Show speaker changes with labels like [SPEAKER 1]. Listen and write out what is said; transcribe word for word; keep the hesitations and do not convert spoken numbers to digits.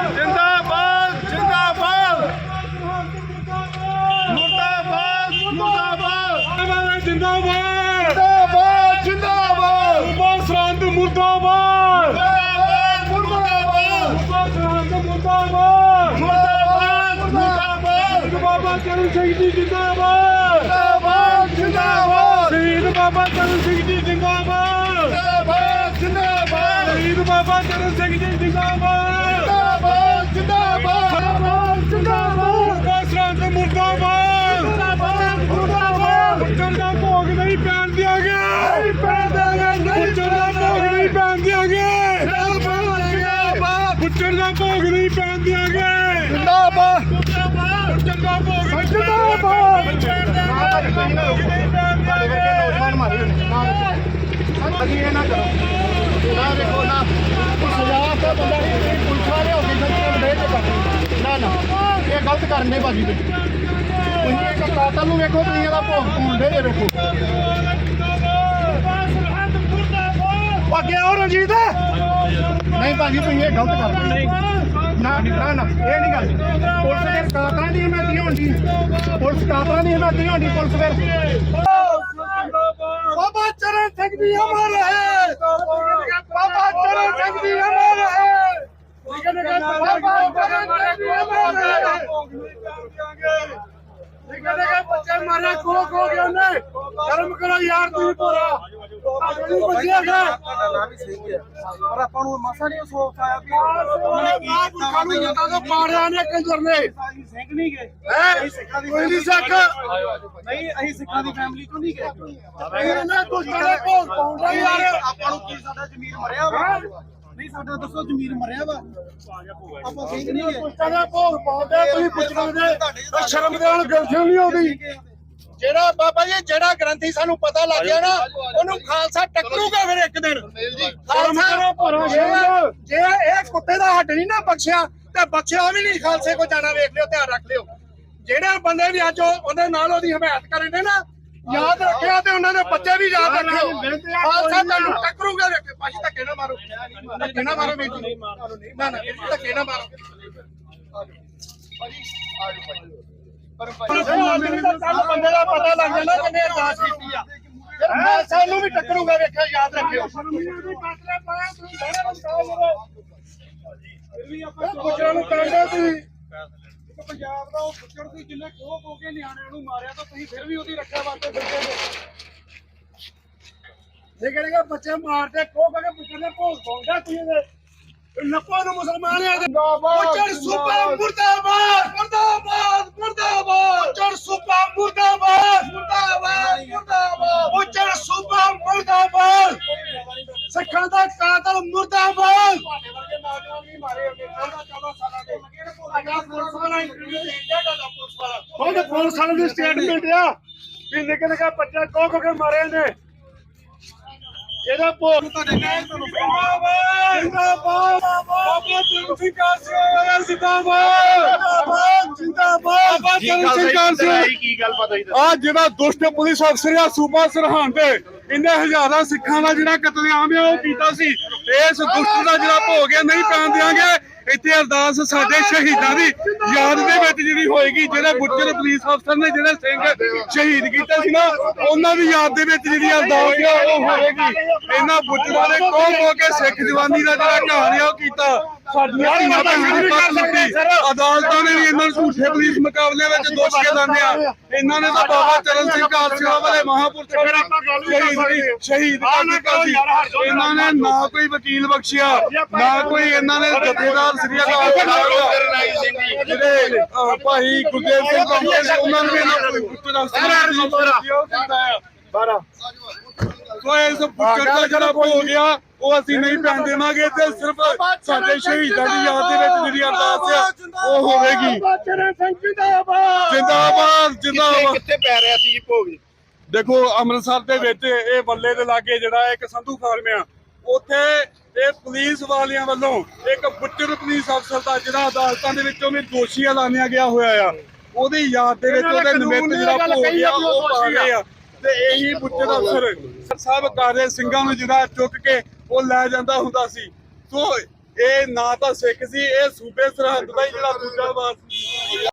[SPEAKER 1] जिंदाबाद जिंदाबाद मुर्दाबाद मुर्दाबाद जिंदाबाद जिंदाबाद जिंदाबाद सुभाष सरहंद मुर्दाबाद मुर्दाबाद मुर्दाबाद मुर्दाबाद मुर्दाबाद मुर्दाबाद बाबा चरण सिंह जी जिंदाबाद जिंदाबाद जिंदाबाद शहीद बाबा चरण सिंह जी जिंदाबाद जिंदाबाद जिंदाबाद शहीद बाबा चरण सिंह जी जिंदाबाद जिंदाबाद जिंदाबाद जिंदाबाद सरहंद मुर्दाबाद मुर्दाबाद मुर्दाबाद पुੱਤਰ ਦਾ ਭੋਗ ਨਹੀਂ ਪੈਣ ਦਿਆਂਗੇ ਨਹੀਂ ਪੈਣ ਦਿਆਂਗੇ ਪੁੱਤਰ ਦਾ ਭੋਗ ਨਹੀਂ ਪੈਣ ਦਿਆਂਗੇ ਜਿੰਦਾਬਾਦ ਪੁੱਤਰ ਦਾ ਭੋਗ ਨਹੀਂ ਪੈਣ ਦਿਆਂਗੇ ਜਿੰਦਾਬਾਦ ਪੁੱਤਰ ਦਾ ਭੋਗ ਜਿੰਦਾਬਾਦ ਨੌਜਵਾਨ ਮਾਰੇ ਅਸੀਂ ਇਹ ਨਾ ਕਰੋ ਨਾ ਦੇਖੋ ਨਾ ਸਜ਼ਾ ਤੇ ਬੰਦਾ ਪੁਲਿਸ ਵਾਲੇ ਹੋ ਗਏ ਸੱਚੇ ਦੇ ਕੇ ਕਰਦੇ ਨਾ ਨਾ ਇਹ ਗਲਤ ਕਰਨੇ ਭਾਜੀ ਤੇ ਤੁਸੀਂ ਇੱਕ ਕਾਤਲ ਨੂੰ ਵੇਖੋ ਤੁਸੀਂ ਇਹਦਾ ਭੋਗ ਪਾਉਂਦੇ ਜੇ ਵੇਖੋ ਅੱਗੇ ਆਓ ਰਣਜੀਤ ਨਹੀਂ ਭਾਜੀ ਤੁਸੀਂ ਇਹ ਗਲਤ ਕਰਦੇ ਨਹੀਂ ਨਾ ਨਾ ਨਾ ਇਹ ਨਹੀਂ ਗੱਲ ਪੁਲਿਸ ਦੇ ਕਾਤਲਾਂ ਦੀ ਹਿਮਾਇਤ ਹੋਣੀ ਪੁਲਿਸ ਕਾਤਲਾਂ ਦੀ ਹਿਮਾਇਤ ਹੋਣੀ ਪੁਲਿਸ ਫਿਰ बाबा चरण सिंह जी अमर है बाबा चरण सिंह जी अमर है बाबा चरण सिंह जी अमर है बच्चे मारे खो खो गया उन्हें शर्म करो यार तू पूरा बचिएगा पर अपन ਨੂੰ ਮਸਾ ਨਹੀਂ ਸੋਚ ਆਇਆ ਕਿ ਉਹਨੇ ਕੀ ਕੀਤਾ ਉਹਨੇ ਤਾਂ ਜੋ ਪਾੜਿਆ ਨੇ ਕੰਜਰ ਨੇ ਸਿੰਘ ਨਹੀਂ ਗਏ ਹੈ ਕੋਈ ਨਹੀਂ ਸਿੱਖ ਨਹੀਂ ਅਸੀਂ ਸਿੱਖਾਂ ਦੀ ਫੈਮਿਲੀ ਤੋਂ ਨਹੀਂ ਗਏ ਇਹਨਾਂ ਦੁਸ਼ਟਾਂ ਦੇ ਭੋਗ ਪਾਉਂਦਾ ਯਾਰ ਆਪਾਂ ਨੂੰ ਕੀ ਸਾਡਾ ਜ਼ਮੀਰ ਮਰਿਆ ਵਾ ਨਹੀਂ ਸਾਡਾ ਦੱਸੋ ਜ਼ਮੀਰ ਮਰਿਆ ਵਾ ਆਪਾਂ ਸਿੰਘ ਨਹੀਂ ਗਏ ਦੁਸ਼ਟਾਂ ਦੇ ਭੋਗ ਪਾਉਂਦੇ ਤੁਸੀਂ ਪੁੱਛਣਾ ਦੇ ਸ਼ਰਮ ਦੇ ਨਾਲ ਗਲਤੀ ਨਹੀਂ ਆਉਂਦੀ ਜਿਹੜਾ ਬਾਬਾ ਜੀ ਜਿਹੜਾ ਗ੍ਰੰਥੀ ਸਾਨੂੰ ਪਤਾ ਲੱਗ ਗਿਆ ਨਾ ਉਹਨੂੰ ਖਾਲਸਾ ਟੱਕਰੂਗਾ ਫਿਰ ਇੱਕ ਦਿਨ ਖਾਲਸਾ ਜੇ ਇਹ ਕੁੱਤੇ ਦਾ ਹੱਡ ਨਹੀਂ ਨਾ ਬਖਸ਼ਿਆ ਤੇ ਬਖਸ਼ਿਆ ਵੀ ਨਹੀਂ ਖਾਲਸੇ ਕੋ ਜਾਣਾ ਵੇਖ ਲਿਓ ਧਿਆਨ ਰੱਖ ਲਿਓ ਜਿਹੜੇ ਬੰਦੇ ਵੀ ਅੱਜ ਉਹਦੇ ਨਾਲ ਉਹਦੀ ਹਮਾਇਤ ਕਰਨ ਦੇ ਨਾ ਯਾਦ ਰੱਖਿਆ ਤੇ ਉਹਨਾਂ ਦੇ ਬੱਚੇ ਵੀ ਯਾਦ ਰੱਖਿਓ ਖਾਲਸਾ ਤੁਹਾਨੂੰ ਟੱਕਰੂਗਾ ਵੇਖ ਪਾਜੀ ਧੱਕੇ ਨਾ ਮਾਰੋ ਧੱਕੇ ਨਾ ਮਾਰੋ ਵੀਰ ਜੀ ਨਾ ਨਾ ਧੱਕੇ ਨਾ ਮਾਰੋ ਪਾਜੀ ਆਜੋ ਪਾਜੀ ਬੰਦੇ ਦਾ ਪਤਾ ਲੱਗ ਜਾਂਦਾ ਕਿੰਨੇ ਅਰਦਾਸ ਕੀਤੀ ਆ ਫਿਰ ਖਾਲਸਾ ਨੂੰ ਵੀ ਟੱਕਰੂਗਾ ਵੇਖਿਓ ਯਾਦ ਰੱਖਿਓ ਪੁੱਛਣ ਨੂੰ ਕਹਿੰਦੇ ਤੁਸੀਂ ਪੰਜਾਬ ਦਾ ਉਹ ਪੁੱਛਣ ਦੀ ਜਿੰਨੇ ਖੋਹ ਖੋ ਕੇ ਨਿਆਣਿਆਂ ਨੂੰ ਮਾਰਿਆ ਤਾਂ ਤੁਸੀਂ ਫਿਰ ਵੀ ਉਹਦੀ ਰੱਖਿਆ ਵਾਸਤੇ ਫਿਰਦੇ ਜੇ ਜਿਹੜੇ ਬੱਚੇ ਮਾਰਦੇ ਖੋਹ ਕੇ ਪੁੱਛਣ ਦੇ ਭੋਗ ਪਾਉਂਦਾ ਤੁਸੀਂ ਨੱਪਾ ਨੂੰ ਮੁਸਲਮਾਨ ਆ ਪੁੱਛਣ ਸੂਬਾ ਮੁਰਦਾਬਾਦ ਮੁਰਦਾਬਾਦ ਮੁਰਦਾਬਾਦ ਪੁੱਛਣ ਸੂਬਾ ਮੁਰਦਾਬਾਦ ਮੁਰਦਾਬਾਦ ਮੁਰਦਾਬਾਦ ਪੁੱਛਣ ਸੂਬਾ ਮੁਰਦਾਬਾਦ ਸਿੱਖਾਂ ਦਾ ਕਾਤਲ ਮੁਰਦਾਬਾਦ ਉਹ ਪੁਲਿਸ ਵਾਲੇ ਦੀ ਸਟੇਟਮੈਂਟ ਆ ਵੀ ਨਿੱਕੇ ਨਿੱਕੇ ਬੱਚੇ ਖੋ ਖੋ ਕੇ ਮਾਰੇ ਨੇ ਇਹਦਾ ਭੋਗ ਤੁਹਾਡੇ ਨਾਲ ਜਿੰਦਾਬਾਦ ਜਿੰਦਾਬਾਦ ਬਾਬਾ ਚਰਨ ਸਿੰਘ ਕਾਲਸੇ ਜਿੰਦਾਬਾਦ ਜਿੰਦਾਬਾਦ ਬਾਬਾ ਚਰਨ ਸਿੰਘ ਕਾਲਸੇ ਕੀ ਗੱਲ ਪਤਾ ਹੀ ਆ ਜਿਹੜਾ ਦੁਸ਼ਟ ਪੁਲਿਸ ਅਫਸਰ ਆ ਸੂਬਾ ਸਰਹੰਦ ਇਹਨੇ ਹਜ਼ਾਰਾਂ ਸਿੱਖਾਂ ਦਾ ਜਿਹੜਾ ਕਤਲੇਆਮ ਆ ਉਹ ਕੀਤਾ ਸੀ ਇਸ ਦੁਸ਼ਟ ਦਾ ਜਿਹੜਾ ਭੋਗ ਹੈ ਨਹੀਂ ਪੈਣ ਦਿਆਂਗੇ ਇੱਥੇ ਅਰਦਾਸ ਸਾਡੇ ਸ਼ਹੀਦਾਂ ਦੀ ਯਾਦ ਦੇ ਵਿੱਚ ਜਿਹੜੀ ਹੋਏਗੀ ਜਿਹੜੇ ਬੁੱਚਰ ਪੁਲਿਸ ਅਫਸਰ ਨੇ ਜਿਹੜੇ ਸਿੰਘ ਸ਼ਹੀਦ ਕੀਤੇ ਸੀ ਨਾ ਉਹਨਾਂ ਦੀ ਯਾਦ ਦੇ ਵਿੱਚ ਜਿਹੜੀ ਅਰਦਾਸ ਆ ਉਹ ਹੋਏਗੀ ਇਹਨਾਂ ਬੁੱਚਰਾਂ ਨੇ ਕੋਹ ਹੋ ਕੇ ਸਿੱਖ ਜਵਾਨੀ ਦਾ ਜਿਹੜਾ ਕਹਾਣੀ ਆ ਉਹ ਕੀਤਾ ਸਾਡੀਆਂ ਧੀਆਂ ਭੈਣਾਂ ਦੀ ਪੱਤ ਲੁੱਟੀ ਅਦਾਲਤਾਂ ਨੇ ਵੀ ਇਹਨਾਂ ਨੂੰ ਝੂਠੇ ਪੁਲਿਸ ਮੁਕਾਬਲੇ ਵਿੱਚ ਦੋਸ਼ ਕੇ ਲਾਉਂਦੇ ਆ ਇਹਨਾਂ ਨੇ ਤਾਂ ਬਾਬਾ ਚਰਨ ਸਿੰਘ ਕਾਲਸੇ ਵਾਲੇ ਮਹਾਂਪੁਰਖ ਸ਼ਹੀਦ ਸ਼ਹੀਦ ਕਰ ਦਿੱਤਾ ਸੀ ਇਹਨਾਂ ਨੇ ਨਾ ਕੋਈ ਵਕੀਲ ਬਖਸ਼ਿਆ ਨਾ ਕੋਈ ਇਹਨਾਂ ਨੇ ਜਥੇਦਾਰ ਸ੍ਰੀ ਅਕਾਲ ਜਿਹੜੇ ਭਾਈ ਗੁਰਦੇਵ ਸਿੰਘ ਕੰਪਨੀ ਉਹਨਾਂ ਨੂੰ ਇਹਨਾਂ ਕੋਈ ਬਾਰਾਂ ਸੋ ਇਸ ਪੁੱਤਰ ਦਾ ਜਿਹੜਾ ਹੋ ਗਿਆ ਉਹ ਅਸੀਂ ਨਹੀਂ ਪੈਣ ਦੇਵਾਂਗੇ ਤੇ ਸਿਰਫ ਸਾਡੇ ਸ਼ਹੀਦਾਂ ਦੀ ਯਾਦ ਦੇ ਵਿੱਚ ਜਿਹੜੀ ਅਰਦਾਸ ਆ ਉਹ ਹੋਵੇਗੀ ਜਿੰਦਾਬਾਦ ਜਿੰਦਾਬਾਦ ਜਿੰਦਾਬਾਦ ਕਿੱਥੇ ਪੈ ਰਿਹਾ ਸੀ ਭੋਗ ਦੇਖੋ ਅੰਮ੍ਰਿਤਸਰ ਦੇ ਵਿੱਚ ਇਹ ਬੱਲੇ ਦੇ ਲਾਗੇ ਜਿਹੜਾ ਇੱਕ ਸੰਧੂ ਫਾਰਮ ਆ ਉੱਥੇ ਇਹ ਪੁਲਿਸ ਵਾਲਿਆਂ ਵੱਲੋਂ ਇੱਕ ਬੁੱਚਰ ਪੁਲਿਸ ਅਫਸਰ ਦਾ ਜਿਹੜਾ ਅਦਾਲਤਾਂ ਦੇ ਵਿੱਚੋਂ ਵੀ ਦੋਸ਼ੀ ਐਲਾਨਿਆ ਗਿਆ ਹੋਇਆ ਆ ਉਹਦੀ ਯਾਦ ਦੇ ਵਿੱਚ ਉਹਦੇ ਨਿਮਿਤ ਜਿਹੜਾ ਭੋਗ ਆ ਉਹ ਪਾ ਗਏ ਆ ਤੇ ਇਹੀ ਬੁੱਚਰ ਅਫਸਰ ਸਾਹਿਬ ਕਾਰੇ ਸਿੰਘਾਂ ਨੂੰ ਜਿਹੜਾ ਚੁੱਕ ਕੇ ਉਹ ਲੈ ਜਾਂਦਾ ਹੁੰਦਾ ਸੀ। ਸੋ ਇਹ ਨਾ ਤਾਂ ਸਿੱਖ ਸੀ, ਇਹ ਸੂਬੇ ਸਰਹੰਦ ਦਾ ਹੀ ਜਿਹੜਾ ਦੂਜਾ ਵਾਰ ਸੀ।